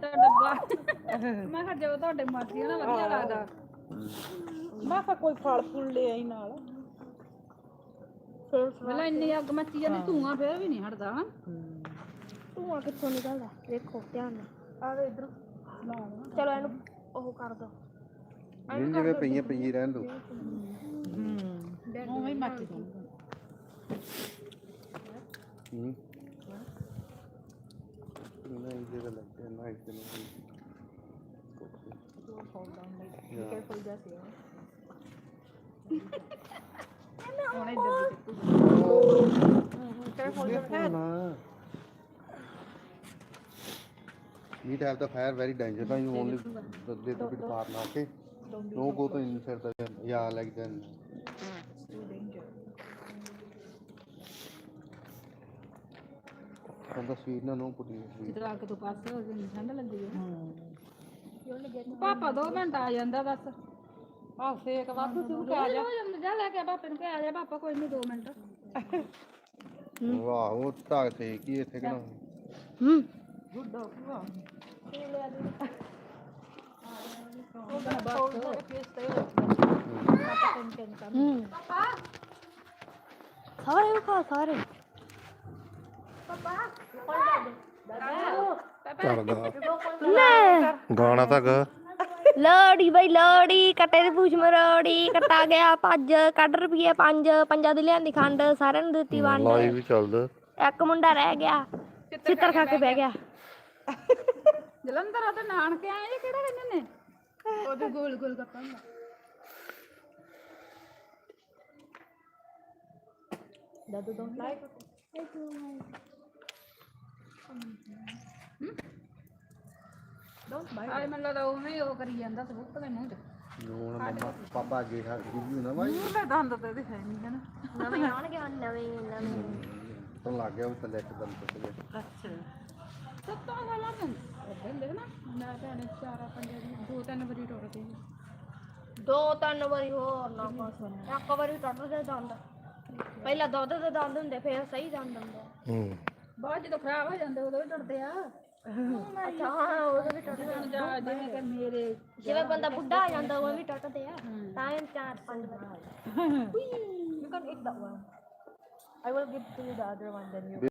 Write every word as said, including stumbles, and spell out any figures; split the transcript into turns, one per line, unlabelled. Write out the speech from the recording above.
ਛੋਟਾ ਡੱਬਾ ਮੈਂ ਕਿਹਾ ਜਦੋਂ ਤੁਹਾਡੇ ਮਾਸੀ ਨਾ ਵਧੀਆ ਲੱਗਦਾ
ਮੈਂ ਕਿਹਾ ਕੋਈ ਫਲ ਫੁੱਲ ਲੈ ਆਈ ਨਾਲ
ਪਹਿਲਾਂ ਇੰਨੀ ਅੱਗ ਮੱਚੀ ਜਾਂਦੀ ਧੂਆਂ ਫੇਰ ਵੀ ਨਹੀਂ ਹਟਦਾ ਹਾਂ
ਧੂਆਂ ਕਿੱਥੋਂ ਨਿਕਲਦਾ ਦੇਖੋ ਧਿਆਨ ਨਾਲ ਆਵੇ ਇਧਰ ਚਲੋ ਇਹਨੂੰ ਉਹ ਕਰ ਦੋ
ਜਿਵੇਂ ਜਿਵੇਂ ਪਈਆਂ ਪਈ ਰਹਿਣ ਦੋ
ਉਵੇਂ ਹੀ ਮੱਚ ਜਾਊਗਾ
ਹੂੰ ਨਾ ਇਹਦੇ ਦਾ ਲੱਗਦਾ ਨਾ ਇਸ ਨੂੰ
ਕੇਅਰਫੁਲ ਜਿਹਾ ਸੀ
ਉਹਨੇ ਜੱਦੀ
ਕੇਅਰਫੁਲ ਜਿਹਾ
Need to have the fire very dangerous. You only the little bit far now, okay? No go to inside the yeah like then. And the sweet no no put in sweet.
ਜਦੋਂ ਅੱਗ ਤੋਂ ਪਾਸੇ ਹੋ ਜਾਂਦੀ ਠੰਡ ਲੱਗਦੀ ਹੈ ਪਾਪਾ ਦੋ ਮਿੰਟ ਆ ਜਾਂਦਾ ਬਸ
ਆਹ ਸੇਕ ਵਾਧੂ ਤੂੰ
ਆ ਜਾ ਜਾ ਲੈ ਕੇ ਆ ਪਾਪੇ ਨੂੰ ਕਹਿ ਆ ਜਾ ਪਾਪਾ ਕੋਈ ਨਹੀਂ ਦੋ ਮਿੰਟ
ਵਾਹ ਉਹ ਤਾਂ ਤੇ ਕੀ ਇੱਥੇ ਕਿਹਨਾਂ
ਹੂੰ
ਗੁੱਡ ਵਾਹ
ਸਾਰੇ ਖਾ ਸਾਰੇ
ਗਾਣਾ ਤਾਂ ਗਾ
ਲੋੜੀ ਬਈ ਲੋੜੀ ਕੱਟੇ ਦੀ ਪੂਛ ਮਰੋੜੀ ਕੱਟਾ ਗਿਆ ਭੱਜ ਕੱਢ ਰੁਪਈਏ ਪੰਜ ਪੰਜਾਂ ਦੀ ਲਿਆਂਦੀ ਖੰਡ ਸਾਰਿਆਂ ਨੂੰ ਦਿੱਤੀ ਵੰਡ
ਲਾਈਵ ਵੀ ਚੱਲਦਾ
ਇੱਕ ਮੁੰਡਾ ਰਹਿ ਗਿਆ ਚਿੱਤਰ ਖਾ ਕੇ ਬਹਿ ਗਿਆ
ਜਲੰਧਰ ਆ ਤੇ ਨਾਨਕੇ ਆਏ ਜੇ ਕਿਹੜਾ ਕਹਿੰਦੇ ਨੇ ਉਹਦੇ ਗੋਲ ਗੋਲ ਗੱਪਾਂ ਦਾ
ਦਾਦੂ ਡੋਂਟ ਲਾਈਕ
ਆਏ ਮੈਨੂੰ ਲੱਗਦਾ ਉਵੇਂ ਹੀ ਉਹ ਕਰੀ ਜਾਂਦਾ ਸਬੂਤ ਦੇ ਮੂੰਹ 'ਚ
ਹੁਣ ਮੰਮਾ ਪਾਪਾ ਅੱਗੇ ਹੱਥ ਗਿੱਲੀ ਨਾ ਬਾਈ
ਉਹਨੇ ਦੰਦ ਤੇ ਇਹਦੇ ਹੈ ਨਹੀਂ ਹਨ
ਨਵੇਂ ਆਉਣਗੇ ਹੁਣ ਨਵੇਂ ਨਵੇਂ
ਤਾਂ ਲੱਗ ਗਿਆ ਉਹ ਥੱਲੇ ਇੱਕਦਮ ਟੁੱਟ ਗਿਆ
ਅੱਛਾ
ਸੱਤਾਂ ਸਾਲਾਂ ਤੋਂ ਅੱਗੇ ਹੁੰਦੇ ਨਾ ਮੈਂ ਭੈਣੇ ਚਾਰਾ ਪੰਜੇ ਦੀ ਦੋ ਤਿੰਨ ਵਾਰੀ ਟੁੱਟ ਗਈ
ਦੋ ਤਿੰਨ ਵਾਰੀ ਹੋਰ ਨਾ ਬਸ ਇੱਕ ਵਾਰੀ ਟੁੱਟਦੇ ਦੰਦ ਪਹਿਲਾਂ ਦੁੱਧ ਦੇ ਦੰਦ ਹੁੰਦੇ ਫਿਰ ਸਹੀ ਦੰਦ ਹੁੰਦੇ
ਹੂੰ
ਬਾਅਦ ਜਦੋਂ ਖਰਾਬ ਹੋ ਜਾਂਦੇ ਉਦੋਂ ਵੀ ਟੁੱਟਦੇ ਆ
ਅੱਛਾ ਹਾਂ ਉਹ ਵੀ ਟੁੱਟਦੇ
ਹੁਣ ਜਾ ਜਿਵੇਂ ਕਿ ਮੇਰੇ
ਜਿਵੇਂ ਬੰਦਾ ਬੁੱਢਾ ਹੋ ਜਾਂਦਾ ਉਹ ਵੀ ਟੁੱਟਦੇ ਆ ਤਾਂ ਇਹ ਚਾਰ ਪੰਜ ਵਾਰੀ you can eat that one I will give to you the other one then you